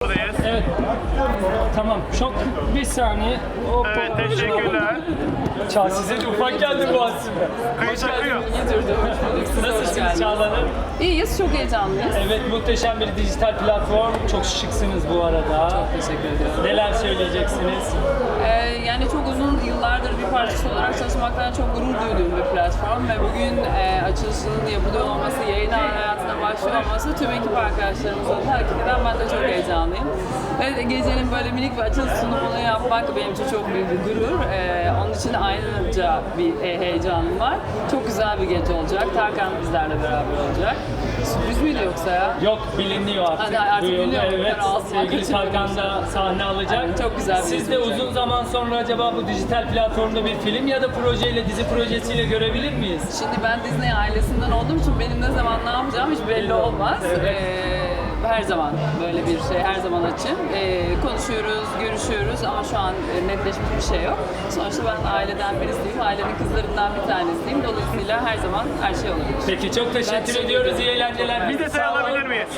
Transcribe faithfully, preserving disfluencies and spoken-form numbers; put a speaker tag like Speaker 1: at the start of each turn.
Speaker 1: buradayız.
Speaker 2: Evet. Tamam. Çok bir saniye. Hoppa.
Speaker 1: Evet, teşekkürler.
Speaker 2: Çağ size de ufak geldi bu aslında.
Speaker 1: Kayıt akıyor.
Speaker 3: İyi durdu. Hoş bulduk. Siz de hoş
Speaker 2: Nasılsınız
Speaker 3: geldiniz.
Speaker 2: Çağla Hanım?
Speaker 3: İyiyiz. Çok heyecanlıyız.
Speaker 2: Evet, muhteşem bir dijital platform. Çok şıksınız bu arada.
Speaker 3: Çok teşekkür ediyorum.
Speaker 2: Neler söyleyeceksiniz?
Speaker 3: Ee, yani çok uzun yıllardır bir parçası olarak çalışmaktan çok gurur duyduğum bir platform ve bugün e, açılışının yapılıyor olması, yayın hayatına başlıyor olması tüm ekip arkadaşlarımızla da hakikaten ben de çok heyecanlıyım. Ve gecenin böyle minik bir açılış sunumunu yapmak benim için çok büyük bir gurur. Ee, onun için ayrıca bir e, heyecanım var. Çok güzel bir gece olacak. Tarkan bizlerle beraber olacak. Sürpriz miydi yoksa ya?
Speaker 2: Yok, biliniyor artık.
Speaker 3: Hadi artık
Speaker 2: Duyuldu,
Speaker 3: biliniyor.
Speaker 2: evet.
Speaker 3: Ben ağzımdan
Speaker 2: Sevgili
Speaker 3: kaçırmadım.
Speaker 2: Tarkan da sahne alacak.
Speaker 3: Evet, çok güzel bir
Speaker 2: Siz
Speaker 3: gece
Speaker 2: de
Speaker 3: olacak.
Speaker 2: uzun zaman sonra acaba bu dijital platformda bir film ya da projeyle, dizi projesiyle görebilir miyiz?
Speaker 3: Şimdi ben Disney ailesinden olduğum için benim ne zaman ne yapacağım hiç belli olmaz. Ee, her zaman böyle bir şey, her zaman açım. Ee, konuşuyoruz, görüşüyoruz ama şu an e, netleşmiş bir şey yok. Sonuçta ben aileden birisiyim, ailenin kızlarından bir tanesiyim. Dolayısıyla her zaman her şey olabilir.
Speaker 2: Peki, çok
Speaker 3: Ben
Speaker 2: teşekkür
Speaker 3: teşekkür
Speaker 2: ediyoruz.
Speaker 3: ederim.
Speaker 2: İyi eğlenceler.
Speaker 1: Bir detay
Speaker 2: Sağ olun.
Speaker 1: alabilir miyiz?